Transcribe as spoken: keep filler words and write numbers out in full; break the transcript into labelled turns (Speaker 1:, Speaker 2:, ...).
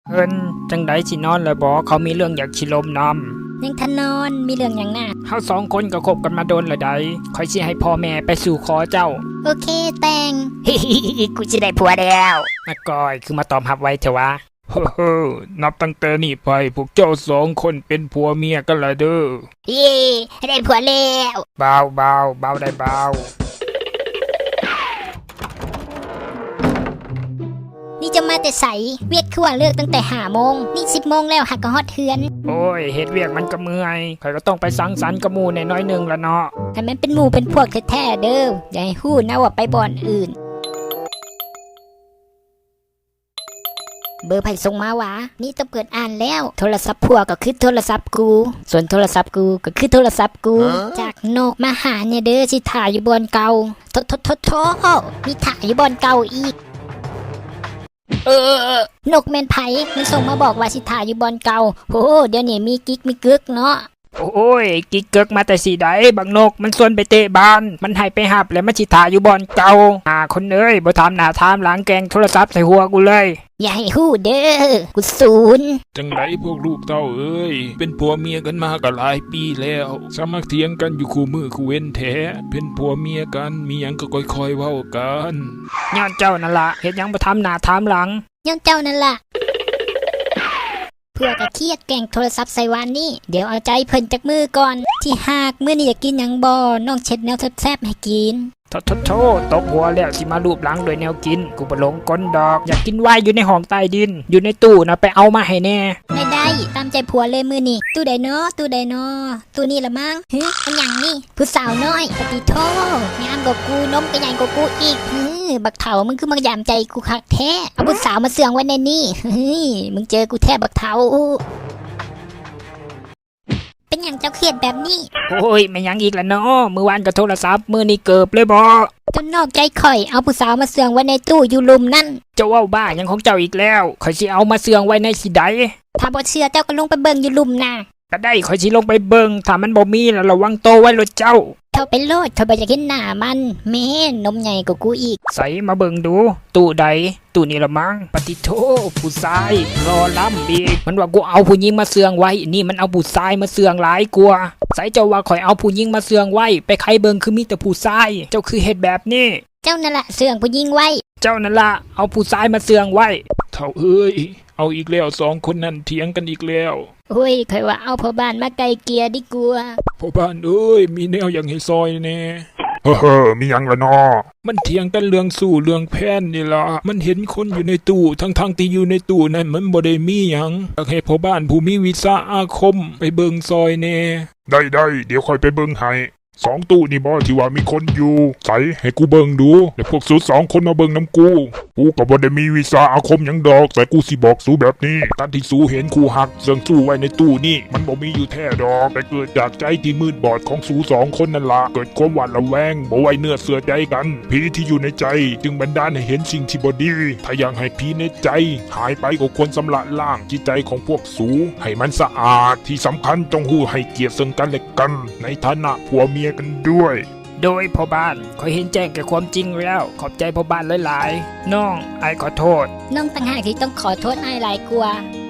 Speaker 1: เอิ้นจังไดสินอนแล้วบ่เขามีเรื่องอยากสิลมน
Speaker 2: ำยังทนอนมีเรื่องอย่างน่ะ
Speaker 1: เฮาสองคนก็คบกันมาโดนและใดค่อยสิให้พ่อแม่ไปสู่ขอเจ้า
Speaker 2: โอเคแต่ง
Speaker 3: ฮิฮิฮิกูจะได้ผัวแล้ว
Speaker 1: อาก้อยคือมาตอมรับไว้เถอะวะเฮ้อนับตั้งแต่นี้ไปพวกเจ้าสองคนเป็นผัวเมียกันละเด้อ
Speaker 3: เย่ได้ผัวแล้ว
Speaker 1: เบาเบาเบาได้เบา
Speaker 2: นี่จะมาแต่ใสเวียดคือว่าเลิกตั้งแต่ห้าโมงนี่สิบโมงแล้วหักก็ฮอดเฮือน
Speaker 1: โอ้ยเฮ็ดเวียกมันก็เมื่อยข่อยก็ต้องไปสังสรรค์กับหมู่แน่น้อยนึงละเนาะ
Speaker 2: ให้มันเป็นหมู่เป็นพวกแท้ๆเด้ออย่าให้ฮู้นะว่าไปบ่อนอื่นเบอร์ไผ่ส่งมาวะนี่ต้องเปิดอ่านแล้วโทรศัพท์ผัวก็คือโทรศัพท์กูส่วนโทรศัพท์กูก็คือโทรศัพท์กูจากนกมาหาเนี่ยเด้อสิถ่ายอยู่บอนเก่าโทโทโทโทมีถ่ายอยู่บอนเก่าอีกเออนกแมนไผ่มันส่งมาบอกว่าสิถ่ายอยู่บอนเก่าโหเดี๋ยวนี้มีกิ๊กมีกึกเนาะ
Speaker 1: โอ้ยกิ๊กเกิกมาแต่สีใดบักนกมันส่วนไปเตะบ้านมันให้ไปหับแล้วมันสิถ่ายอยู่บอนเก่าอ่าคนเอ้ยบ่ถามหน้าถามหลังแกงโทรศัพท์ใส่หัวกูเลย
Speaker 2: อย่าให้ฮู้เด้อกูศูนย์
Speaker 4: จังไดพวกลูกเต้าเอ้ยเป็นผัวเมียกันมาก็หลายปีแล้วสามัคเถียงกันอยู่คู่มือคู่เว้นแท้เป็นผัวเมียกันมีหยังก็ค่อยๆเว้ากัน
Speaker 1: ย้อนเจ้านั่นล่ะเฮ็ดหยังบ่ถามหน้าถามหลัง
Speaker 2: ย้อนเจ้านั่นล่ะเพื่อก็เครียดแก่งโทรศัพท์ใส่วานนี่เดี๋ยวเอาใจเพิ่นจากมือก่อนที่หากมื้อนี้อยากกินหยังบ่น้องเช็ดแนวแซ่บๆให้กิน
Speaker 1: โทษโทษตกหัวแล้วสิมาลูบหลังโดยแนวกินกูบ่หลงกลดอกอยากกินไว้อยู่ในห้องใต้ดินอยู่ในตู้นะไปเอามาให้แน่
Speaker 2: ไม่ได้ตามใจผัวเลยมื้อนี้ตู้ใดเนาะตู้ใดเนาะตู้นี้ละมั้งฮึอันหยังนี่ผู้สาวน้อยปฏิโทงามกว่ากูนมก็ใหญ่กว่ากูอีกฮึบักเฒ่ามึงคือมายามใจกูคักแท้เอาผู้สาวมาเสื่องไว้ในนี่เฮ้ยมึงเจอกูแท้บักเฒ่าเป็นอย่างเจ้าเครียดแบบนี้
Speaker 1: โอ้ยไม่ยังอีกแล้วเนาะมื้อวานก็โทรศัพท์มื้อนี้เกิบเลยบ่
Speaker 2: จนนอกใจข่อยเอาผู้สาวมาเสื่องไว้ในตู้อยู่ลุมนั่น
Speaker 1: เจ้าเว้าบ้ายังของเจ้าอีกแล้วข่อยสิเอามาเสื่องไว้ในสิใด
Speaker 2: ถ้าบ่เชื่อเจ้าก็ลงไปเบิ่งอยู่ลุมน่ะ
Speaker 1: ก็ได้ข่อยสิลงไปเบิ่งถ้ามันบ่มีแล้วระวังโตไว้รถเจ้า
Speaker 2: เข้าไปโลดเขาบ่อยากเห็นหน้ามันแม่นมใหญ่กว่ากูอีก
Speaker 1: ใส่มาเบิ่งดูตู้ใดตู้นี้ละมั้งปฏิโทผู้ชายรอล้ำอีกมันว่ากูเอาผู้หญิงมาเสื่องไว้นี่มันเอาผู้ชายมาเสื่องหลายกว่าใส่เจ้าว่าข่อยเอาผู้หญิงมาเสื่องไว้ไปไขเบิ่งคือมีแต่ผู้ชายเจ้าคือเฮ็ดแบบนี้
Speaker 2: เจ้านั่นล่ะเสื่องผู้หญิงไว้
Speaker 1: เจ้านั่นล่ะเอาผู้ชายมาเสื่องไว้
Speaker 4: เท่าเอ้ยเอาอีกแล้วสองคนนั้นเถียงกันอีกแล้ว
Speaker 2: โอ้ยข่อยว่าเอาพ่อบ้านมาไกลเกลี่ยดีกว่า
Speaker 4: พ่อบ้านเอ้ยมีแนวอย่างให้ซอยแน่
Speaker 5: เฮ้อมีหยังละนอ
Speaker 4: มันเถียงกันเรื่องสู้เรื่องแพ้นนี่ล่ะมันเห็นคนอยู่ในตู้ทั้งๆที่อยู่ในตู้นั้นมันบ่ได้มีหยังอยากให้พ่อบ้านผู้มีวิชาอาคมไปเบิ่งซอยแน่
Speaker 5: ได้ได้เดี๋ยวค่อยไปเบิ่งให้สองตู้นี่บ่ที่ว่ามีคนอยู่ใส่ให้กูเบิ่งดูแล้วพวกสูสองคนมาเบิ่งน้ำกูกูก็บ่ได้มีวิชาอาคมหยังดอกแต่กูสิบอกสูแบบนี้ตอนที่สูเห็นกูหักเสื่องสู้ไว้ในตู้นี่มันบ่มีอยู่แท้ดอกแต่เกิดจากใจที่มืดบอดของสูสองคนนั่นล่ะเกิดความหวาดระแวงบ่ไว้เนื้อเสือใจกันผีที่อยู่ในใจจึงบันดาลให้เห็นสิ่งที่บ่ดีถ้าอยากให้ผีในใจหายไปก็ควรสำระล้างจิตใจของพวกสูให้มันสะอาดที่สำคัญต้องฮู้ให้เกียรติซึ่งกันและกันในฐานะผัวเมียกันด้วย
Speaker 1: โดยพ่อบ้านขอเห็นแจ้งแก่ความจริงแล้วขอบใจพ่อบ้านหลายๆน้องไอ้ขอโทษ
Speaker 2: น้องต่างหากที่ต้องขอโทษไอ้หลายกว่า